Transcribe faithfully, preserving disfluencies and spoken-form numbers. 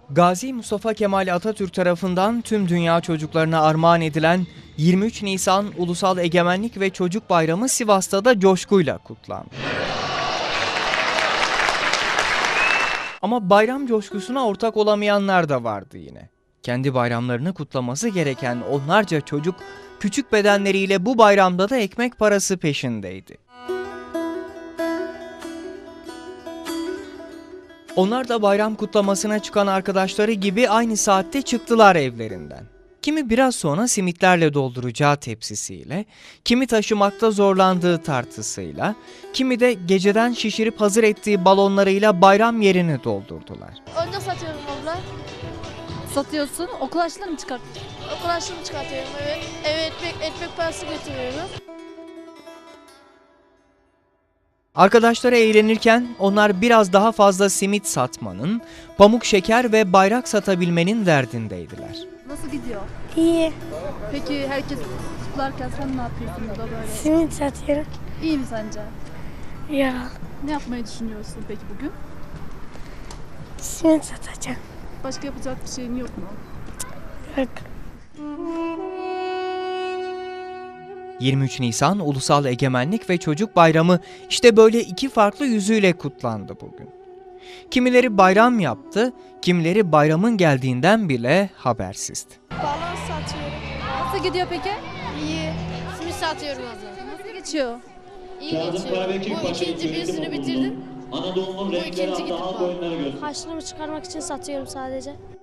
Gazi Mustafa Kemal Atatürk tarafından tüm dünya çocuklarına armağan edilen yirmi üç Nisan Ulusal Egemenlik ve Çocuk Bayramı Sivas'ta da coşkuyla kutlandı. Ama bayram coşkusuna ortak olamayanlar da vardı yine. Kendi bayramlarını kutlaması gereken onlarca çocuk küçük bedenleriyle bu bayramda da ekmek parası peşindeydi. Onlar da bayram kutlamasına çıkan arkadaşları gibi aynı saatte çıktılar evlerinden. Kimi biraz sonra simitlerle dolduracağı tepsisiyle, kimi taşımakta zorlandığı tartısıyla, kimi de geceden şişirip hazır ettiği balonlarıyla bayram yerini doldurdular. Önce satıyorum abla. Satıyorsun, okul harçlığını mı çıkartıyorsun? Okul harçlığını çıkartıyorum, evet. Eve ekmek, ekmek parası götürüyorum. Arkadaşları eğlenirken onlar biraz daha fazla simit satmanın, pamuk şeker ve bayrak satabilmenin derdindeydiler. Nasıl gidiyor? İyi. Peki herkes kutlarken sen ne yapıyorsun burada böyle? Simit satıyorum. İyi mi sence? Ya Ne yapmayı düşünüyorsun peki bugün? simit satacağım. Başka yapacak bir şeyin yok mu? Yok. yirmi üç Nisan Ulusal Egemenlik ve Çocuk Bayramı işte böyle iki farklı yüzüyle kutlandı bugün. Kimileri bayram yaptı, kimileri bayramın geldiğinden bile habersizdi. Balon satıyorum. Nasıl gidiyor peki? İyi. Simit satıyorum abla. Nasıl geçiyor? İyi geçiyor. Bu ikinci birisini bitirdim. Anadolu'nun Bu renkleri ikinci adlı gidip halk var. oyunları gösteriyor. Harçlığımı çıkarmak için satıyorum sadece.